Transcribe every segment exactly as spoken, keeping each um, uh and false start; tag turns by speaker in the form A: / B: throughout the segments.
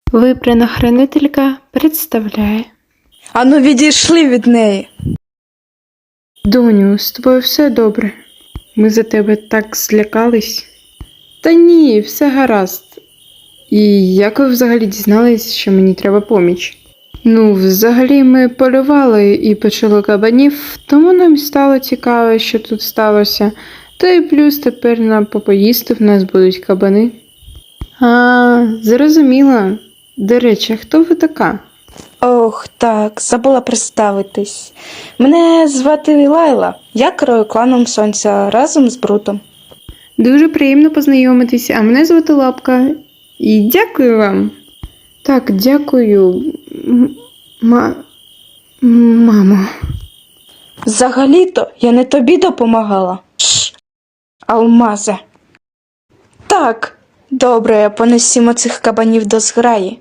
A: Вибрана хранителька представляє.
B: Ану, відійшли від неї.
A: Доню, з тобою все добре? Ми за тебе так злякались. Та ні, все гаразд. І як ви взагалі дізнались, що мені треба поміч? Ну, взагалі ми полювали і почали кабанів, тому нам стало цікаво, що тут сталося. Та й плюс тепер на попоїсти в нас будуть кабани. А, зрозуміла. До речі, хто ви така?
B: Ох, так, забула представитись. Мене звати Лайла. Я керую кланом Сонця разом з Брутом.
A: Дуже приємно познайомитись, а мене звати Лапка. І дякую вам. Так, дякую, м- ма... мамо.
B: Взагалі-то я не тобі допомагала. Шш, алмазе. Так, добре, понесімо цих кабанів до зграї.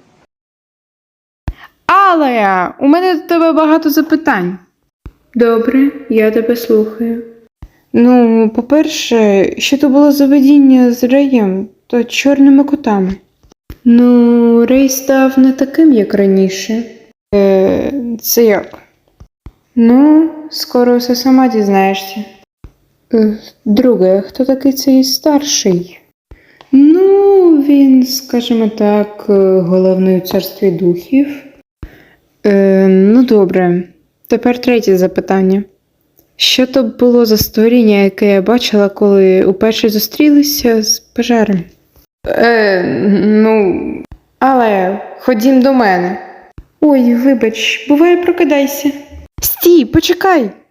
A: Алея, у мене до тебе багато запитань. Добре, я тебе слухаю. Ну, по-перше, що то було за видіння з Реєм та чорними котами? Ну, Рей став не таким, як раніше. Е, це як? Ну, скоро все сама дізнаєшся. Е, друге, хто такий цей старший? Ну, він, скажімо так, головний у царстві духів. Е, ну, добре. Тепер третє запитання. Що то було за створіння, яке я бачила, коли уперше зустрілися з пожаром? Е, ну, але ходім до мене. Ой, вибач, буває, прокидайся. Стій, почекай!